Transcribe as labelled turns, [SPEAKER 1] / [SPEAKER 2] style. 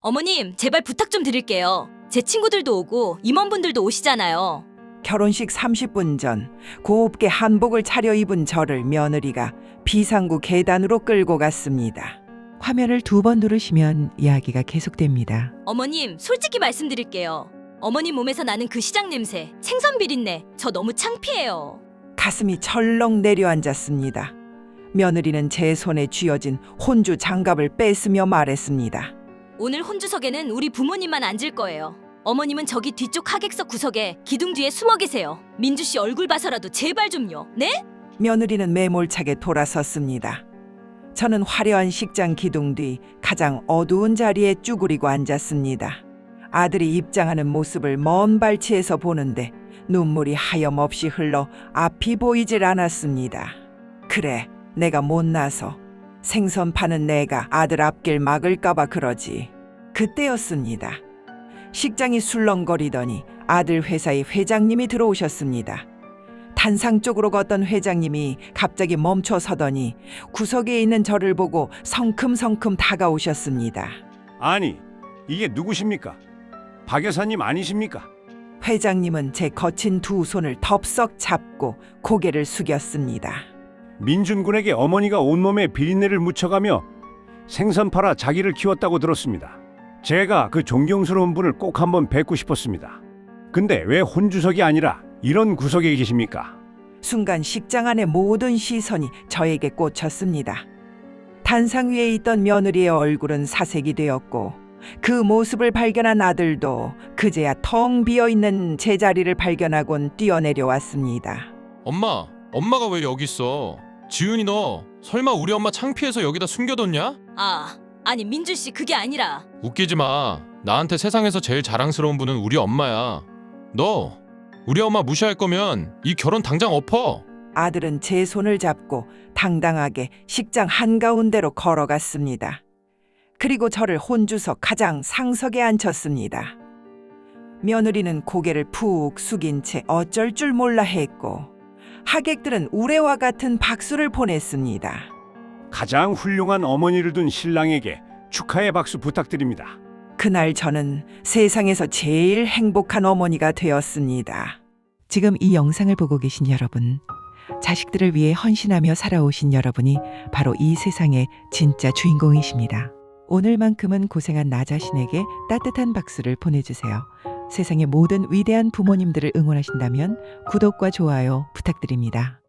[SPEAKER 1] 어머님, 제발 부탁 좀 드릴게요. 제 친구들도 오고 임원분들도 오시잖아요.
[SPEAKER 2] 결혼식 30분 전 곱게 한복을 차려입은 저를 며느리가 비상구 계단으로 끌고 갔습니다. 화면을 2번 누르시면 이야기가 계속됩니다.
[SPEAKER 1] 어머님, 솔직히 말씀드릴게요. 어머님 몸에서 나는 그 시장 냄새, 생선 비린내, 저 너무 창피해요.
[SPEAKER 2] 가슴이 철렁 내려앉았습니다. 며느리는 제 손에 쥐어진 혼주 장갑을 뺏으며 말했습니다.
[SPEAKER 1] 오늘 혼주석에는 우리 부모님만 앉을 거예요. 어머님은 저기 뒤쪽 하객석 구석에 기둥 뒤에 숨어 계세요. 민주 씨 얼굴 봐서라도 제발 좀요. 네?
[SPEAKER 2] 며느리는 매몰차게 돌아섰습니다. 저는 화려한 식장 기둥 뒤 가장 어두운 자리에 쭈그리고 앉았습니다. 아들이 입장하는 모습을 먼 발치에서 보는데 눈물이 하염없이 흘러 앞이 보이질 않았습니다. 그래, 내가 못나서 생선 파는 내가 아들 앞길 막을까봐 그러지. 그때였습니다. 식장이 술렁거리더니 아들 회사의 회장님이 들어오셨습니다. 단상 쪽으로 걷던 회장님이 갑자기 멈춰 서더니 구석에 있는 저를 보고 성큼성큼 다가오셨습니다.
[SPEAKER 3] 아니, 이게 누구십니까? 박 여사님 아니십니까?
[SPEAKER 2] 회장님은 제 거친 2 손을 덥석 잡고 고개를 숙였습니다.
[SPEAKER 3] 민준 군에게 어머니가 온몸에 비린내를 묻혀가며 생선 팔아 자기를 키웠다고 들었습니다. 제가 그 존경스러운 분을 꼭 한번 뵙고 싶었습니다. 근데 왜 혼주석이 아니라 이런 구석에 계십니까?
[SPEAKER 2] 순간 식장 안의 모든 시선이 저에게 꽂혔습니다. 단상 위에 있던 며느리의 얼굴은 사색이 되었고 그 모습을 발견한 아들도 그제야 텅 비어있는 제 자리를 발견하곤 뛰어내려왔습니다.
[SPEAKER 4] 엄마가 왜 여기 있어? 지은이 너 설마 우리 엄마 창피해서 여기다 숨겨뒀냐?
[SPEAKER 1] 아니 민주 씨 그게 아니라
[SPEAKER 4] 웃기지 마. 나한테 세상에서 제일 자랑스러운 분은 우리 엄마야. 너 우리 엄마 무시할 거면 이 결혼 당장 엎어.
[SPEAKER 2] 아들은 제 손을 잡고 당당하게 식장 한가운데로 걸어갔습니다. 그리고 저를 혼주석 가장 상석에 앉혔습니다. 며느리는 고개를 푹 숙인 채 어쩔 줄 몰라 했고 하객들은 우레와 같은 박수를 보냈습니다.
[SPEAKER 3] 가장 훌륭한 어머니를 둔 신랑에게 축하의 박수 부탁드립니다.
[SPEAKER 2] 그날 저는 세상에서 제일 행복한 어머니가 되었습니다. 지금 이 영상을 보고 계신 여러분, 자식들을 위해 헌신하며 살아오신 여러분이 바로 이 세상의 진짜 주인공이십니다. 오늘만큼은 고생한 나 자신에게 따뜻한 박수를 보내주세요. 세상의 모든 위대한 부모님들을 응원하신다면 구독과 좋아요 부탁드립니다.